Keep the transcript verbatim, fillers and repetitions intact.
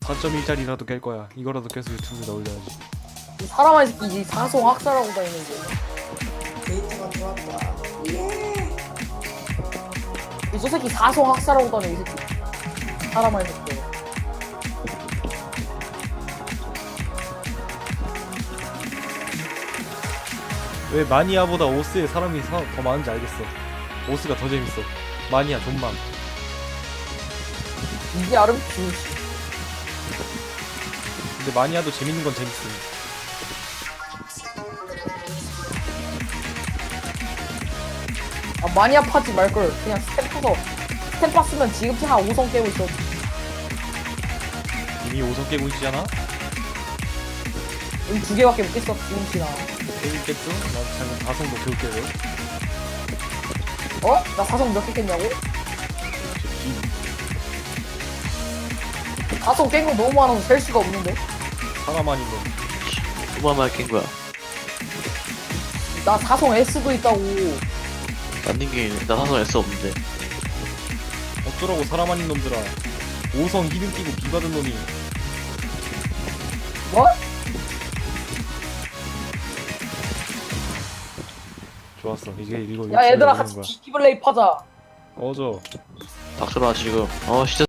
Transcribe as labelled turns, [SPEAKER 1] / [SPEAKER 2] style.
[SPEAKER 1] 사 점 일짜리라도 깰 거야. 이거라도 깨서 유튜브에 올려야지.
[SPEAKER 2] 이 사람아 이 새끼 이 사송 학살하고 다니는 거.
[SPEAKER 3] 데이터가 들어왔다. 예.
[SPEAKER 2] 이저 새끼 사송 학살하고 다녀 이 새끼. 사람아 이 새끼.
[SPEAKER 1] 왜 마니아보다 오스에 사람이 사, 더 많은지 알겠어. 오스가 더 재밌어. 마니아 존망.
[SPEAKER 2] 이게 아름 주.
[SPEAKER 1] 근데 마니아도 재밌는 건 재밌음.
[SPEAKER 2] 아 마니아 파지 말걸 그냥 스탬 파서 스탬 팠으면 지금쯤 한 오 성 깨고 있어.
[SPEAKER 1] 이미 오 성 깨고 있잖아?
[SPEAKER 2] 여기 두 개밖에 못 깼어 지금쯤이나.
[SPEAKER 1] 깨긴 깼죠? 난 작은 사 성도 겨우 깨고.
[SPEAKER 2] 어? 나 사성 몇 개 깼냐고? 사성 깬 거 너무 많아서 셀 수가 없는데.
[SPEAKER 1] 사람 아닌 놈.
[SPEAKER 4] 얼마나 깬 거야?
[SPEAKER 2] 나 사성 S도 있다고.
[SPEAKER 4] 만든 게 나 사성 S 없는데.
[SPEAKER 1] 어쩌라고 사람 아닌 놈들아. 오 성 히든 끼고 비 받은 놈이.
[SPEAKER 2] 뭐?
[SPEAKER 1] 좋았어. 이게 이거
[SPEAKER 2] 야 얘들아
[SPEAKER 1] 이거
[SPEAKER 2] 같이
[SPEAKER 1] 거야.
[SPEAKER 2] 디플레이 파자.
[SPEAKER 1] 꺼져.
[SPEAKER 4] 닥쳐라 지금. 어 진짜.